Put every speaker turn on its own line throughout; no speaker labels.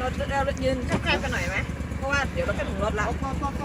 เรายืนแคบๆกันหน่อยไหมเพราะว่าเดี๋ยวเราก็ถึงรถแล้ว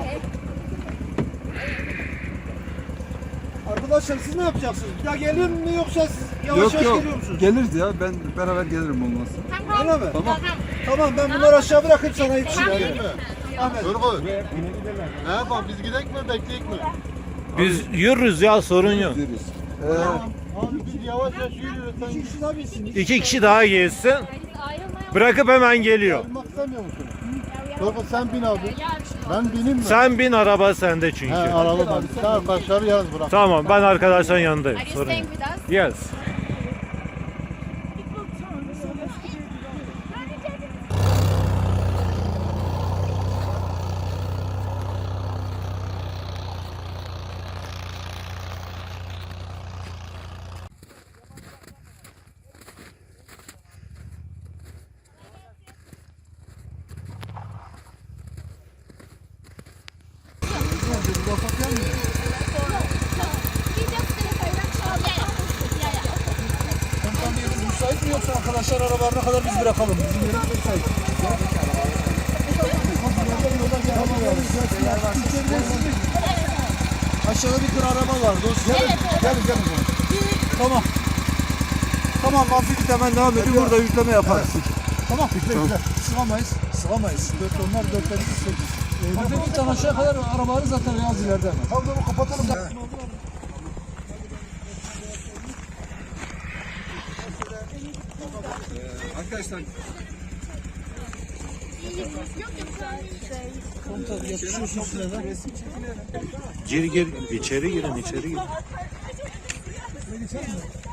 Arkadaşlar siz ne yapacaksınız? Ya gelir mi yoksa siz yavaş
Yok
yavaş
yok
geliyor musunuz?
geliriz ya ben beraber gelirim olmazsa.
Öyle mi?
Tamam.
Tamam ben bunları aşağı bırakıp sana yetişeceğim. Ahmet.
Turgut. Ne yapalım biz gidek mi bekleyek mi?
Biz yürürüz ya, sorun yok.
Gideriz.
Abi biz yavaş yavaş yürüyoruz. Sen
İki kişi daha bilsin.
İki kişi daha gelsin. Bırakıp hemen geliyor.
gitmek istemiyor musun? Turgut sen bin abi. Ben bineyim mi?
Sen bin, araba sende çünkü.
He araba ben. Sen arkadaşları yalnız bırak.
Tamam, ben arkadaşların yanındayım.
Are you
Sorun
staying
yok.
with us?
Yes.
Müsait mi yoksa arkadaşlar arabalarına kadar biz bırakalım. Bizim yerimiz müsait. Aşağıda bir tır araba var dostum. Gelin. Tamam. Tamam hafif hemen devam edin. Burada yükleme yaparız. Tamam. Yükle. Sığamayız. 4 onlar 4 8. Hafiften aşağı kadar arabaları zaten biraz ileride hemen. Tamam kapatalım.
Arkadaşlar
Komutan yapışıyorsun sırada.
Gir, içeri girin.
Geçer mi?